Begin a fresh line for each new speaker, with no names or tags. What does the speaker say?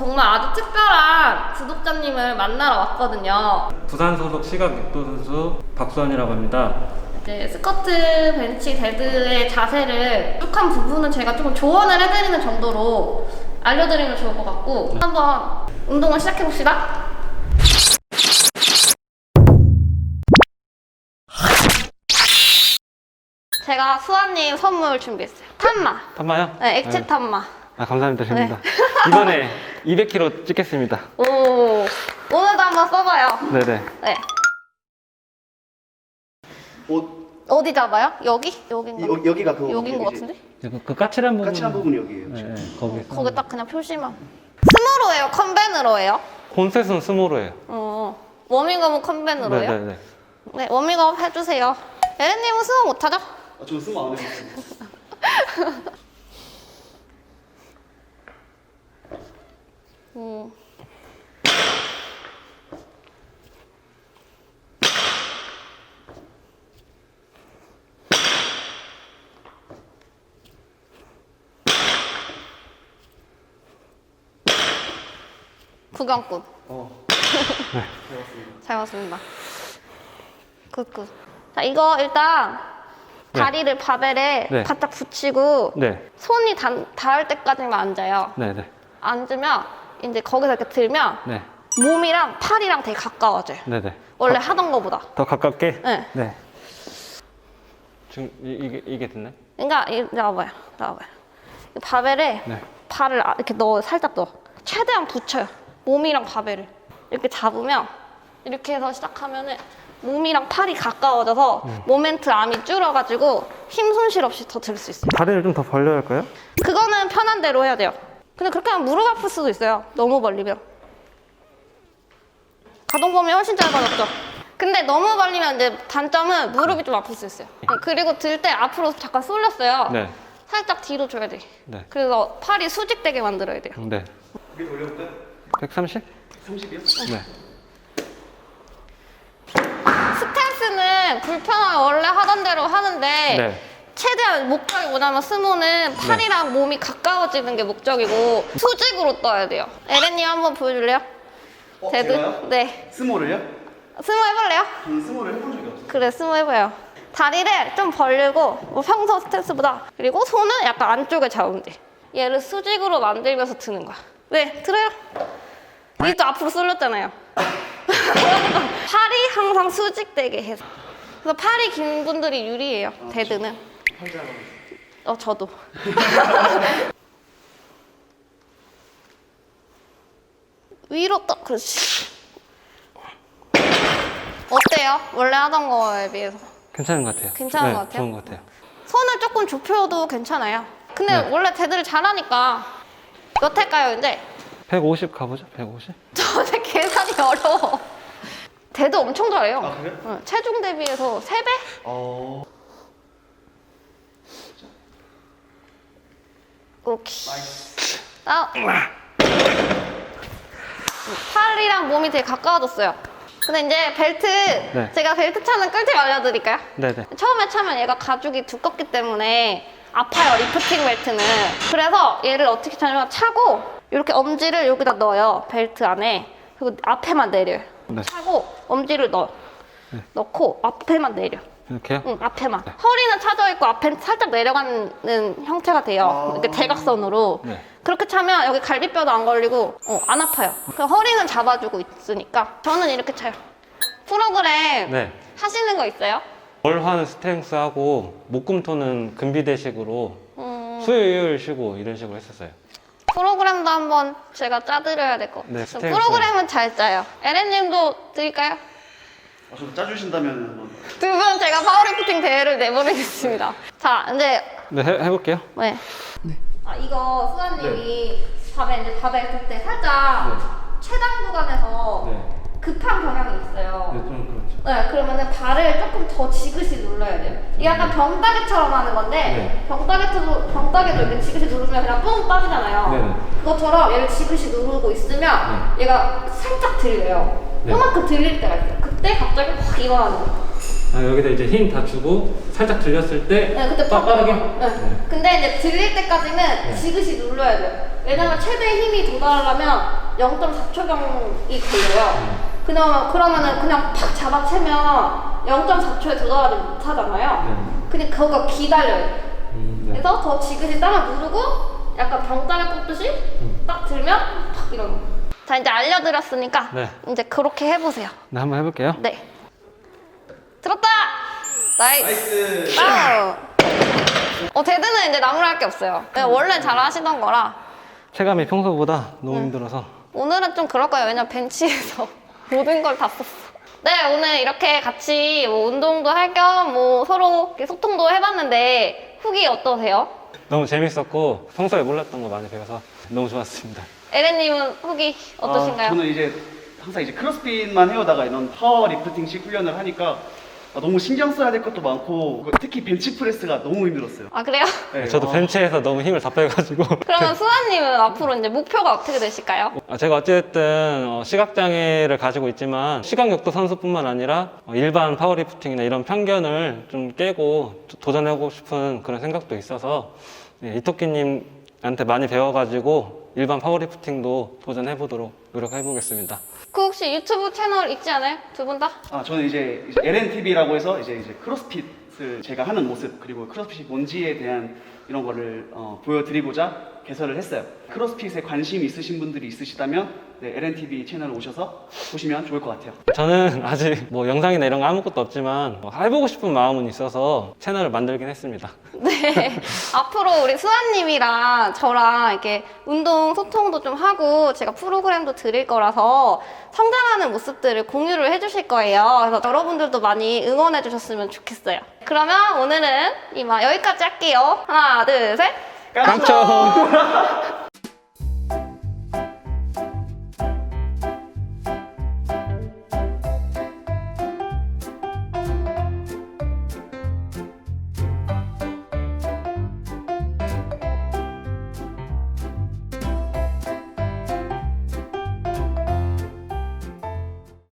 정말 아주 특별한 구독자님을 만나러 왔거든요.
부산 소속 시각 육도 선수 박수환이라고 합니다.
이제 스쿼트, 벤치, 데드의 자세를 뚝한 부분은 제가 조금 조언을 해드리는 정도로 알려드리면 좋을 것 같고 한번 운동을 시작해봅시다. 제가 수아님 선물 준비했어요. 탄마.
탄마요?
네, 액체
네.
탄마.
아, 감사합니다. 됩니다. 이번에 200kg 찍겠습니다.
오, 오늘도 한번 써봐요.
네네.
네. 어디 잡아요? 여기? 여긴가?
여기가 그거
여긴 것
여기지.
같은데?
그 까칠한 부분.
까칠한 부분이 여기예요.
네, 거기.
거기 딱 그냥 표시만. 스모로 해요? 컨벤으로 해요?
콘셋은 스모로예요.
워밍업은 컨벤으로 해요?
네네네.
네, 워밍업 해주세요. 에렌님은 스모 못하죠?
저는 스모 안 해봤어요.
구경꾼.
네.
잘 봤습니다. 굿굿. 자, 이거 일단 다리를 바벨에
네.
바짝 붙이고
네.
손이 닿을 때까지만 앉아요.
네네.
앉으면 이제 거기서 이렇게 들면
네.
몸이랑 팔이랑 되게 가까워져요.
네네.
원래 하던 거보다.
더 가깝게?
네.
네. 지금 이게 됐나요?
그러니까 나와봐요. 이 바벨에
네.
발을 이렇게 살짝 넣어. 최대한 붙여요. 몸이랑 바벨을 이렇게 잡으면 이렇게 해서 시작하면은 몸이랑 팔이 가까워져서 모멘트 암이 줄어가지고 힘 손실 없이 더 들 수 있어요.
다리를 좀 더 벌려야 할까요?
그거는 편한 대로 해야 돼요. 근데 그렇게 하면 무릎 아플 수도 있어요. 너무 벌리면. 가동 범위 훨씬 짧아졌죠. 근데 너무 벌리면 이제 단점은 무릎이 좀 아플 수 있어요. 그리고 들 때 앞으로 잠깐 쏠렸어요.
네.
살짝 뒤로 줘야 돼.
네.
그래서 팔이 수직되게 만들어야 돼요.
네.
그게 돌려볼까요?
130?
30이요?
네.
스탠스는 불편하게 원래 하던 대로 하는데
네.
최대한 목적이 뭐냐면 스모는 팔이랑 몸이 가까워지는 게 목적이고 수직으로 떠야 돼요. 에렌님 한번 보여줄래요? 데드?
제가요?
네.
스모를요?
스모 해볼래요?
저는 스모를 해본 적이 없어요.
그래, 스모 해봐요. 다리를 좀 벌리고 뭐 평소 스탠스보다 그리고 손은 약간 안쪽에 잡으면 돼. 얘를 수직으로 만들면서 드는 거야. 네, 들어요. 이게 또 앞으로 쏠렸잖아요. 팔이 항상 수직되게 해서. 그래서 팔이 긴 분들이 유리해요. 데드는. 저도. 위로 떠. 그렇지. 어때요? 원래 하던 거에 비해서.
괜찮은 것 같아요.
괜찮은
네,
것 같아요?
좋은 것 같아요.
손을 조금 좁혀도 괜찮아요. 근데
네.
원래 데드를 잘하니까 몇 회까요, 이제?
150 가보죠. 150?
저는 계산이 어려워. 데드 엄청 잘해요.
아, 그래요?
응, 체중 대비해서 3배? 오케이. 팔이랑 몸이 되게 가까워졌어요. 근데 이제 벨트,
네.
제가 벨트 차는 꿀팁 알려드릴까요?
네네.
처음에 차면 얘가 가죽이 두껍기 때문에 아파요, 리프팅 벨트는. 그래서 얘를 어떻게 차냐면 차고 이렇게 엄지를 여기다 넣어요, 벨트 안에. 그리고 앞에만 내려요.
네.
차고 엄지를 넣고 앞에만 내려.
이렇게요?
응, 앞에만. 허리는 차져있고 앞엔 살짝 내려가는 형태가 돼요. 이렇게 대각선으로.
네.
그렇게 차면 여기 갈비뼈도 안 걸리고 안 아파요. 그 허리는 잡아주고 있으니까 저는 이렇게 차요. 프로그램
네.
하시는 거 있어요?
월화는 스트렝스하고 목금토는 금비대식으로 수요일 쉬고 이런 식으로 했었어요.
프로그램도 한번 제가 짜드려야 될 것 같아요.
네, 스트렝스.
프로그램은 잘 짜요. 에렌님도 드릴까요?
저도 짜주신다면 한번.
두 분 제가 파워리프팅 대회를 내보내겠습니다. 자, 이제
네, 해볼게요.
네. 이거 수아님이 밥에 했을 때 살짝 최단 구간에서 급한 경향이 있어요.
좀 그렇죠.
네, 그러면은 발을 조금 더 지그시 눌러야 돼요. 이게 약간 병따개처럼 하는 건데, 병따개도 이렇게 지그시 누르면 그냥 뿡 빠지잖아요.
네네.
그것처럼 얘를 지그시 누르고 있으면 얘가 살짝 들려요.
네.
요만큼 들릴 때가 있어요. 그때 갑자기 확 일어나는 거예요.
아, 여기다 이제 힘 다 주고 살짝 들렸을 때
네, 그때
빠르게.
네. 근데 이제 들릴 때까지는 지그시 눌러야 돼요. 왜냐면 최대 힘이 도달하려면 0.4초경이 걸려요. 그러면은 그냥 팍 잡아채면 0.4초에 도달하지 못하잖아요. 근데 그거가 기다려요.
네.
그래서 더 지그시 땅을 누르고 약간 병따를 뽑듯이 딱 들면 팍 이러는 거. 자, 이제 알려드렸으니까
네.
이제 그렇게 해보세요.
네, 한번 해볼게요.
네. 들었다! 나이스! 데드는 이제 나무랄 게 없어요. 원래 잘 하시던 거라.
체감이 평소보다 너무 힘들어서.
오늘은 좀 그럴 거예요. 왜냐면 벤치에서 모든 걸 다 썼어. 네, 오늘 이렇게 같이 뭐 운동도 할 겸 뭐 서로 이렇게 소통도 해봤는데 후기 어떠세요?
너무 재밌었고 평소에 몰랐던 거 많이 배워서 너무 좋았습니다.
에렌님은 후기 어떠신가요?
저는 이제 항상 이제 크로스핏만 해오다가 이런 파워 리프팅식 훈련을 하니까 너무 신경 써야 될 것도 많고 특히 벤치프레스가 너무 힘들었어요.
아, 그래요?
네,
저도 벤치에서 너무 힘을 다 빼가지고.
그러면 수아님은 앞으로 이제 목표가 어떻게 되실까요?
제가 어쨌든 시각장애를 가지고 있지만 시각역도 선수뿐만 아니라 일반 파워리프팅이나 이런 편견을 좀 깨고 도전하고 싶은 그런 생각도 있어서 이토끼님한테 많이 배워가지고 일반 파워리프팅도 도전해보도록 노력해보겠습니다.
그 혹시 유튜브 채널 있지 않아요? 두 분 다?
저는 이제 LNTV라고 해서 이제 크로스핏을 제가 하는 모습 그리고 크로스핏이 뭔지에 대한 이런 거를 보여드리고자 개설을 했어요. 크로스핏에 관심 있으신 분들이 있으시다면 네, LNTV 채널 오셔서 보시면 좋을 것 같아요.
저는 아직 뭐 영상이나 이런 거 아무것도 없지만 해보고 싶은 마음은 있어서 채널을 만들긴 했습니다.
네. 앞으로 우리 수아님이랑 저랑 이렇게 운동 소통도 좀 하고 제가 프로그램도 드릴 거라서 성장하는 모습들을 공유를 해주실 거예요. 그래서 여러분들도 많이 응원해 주셨으면 좋겠어요. 그러면 오늘은 이만 여기까지 할게요. 하나, 둘, 셋.
깡총!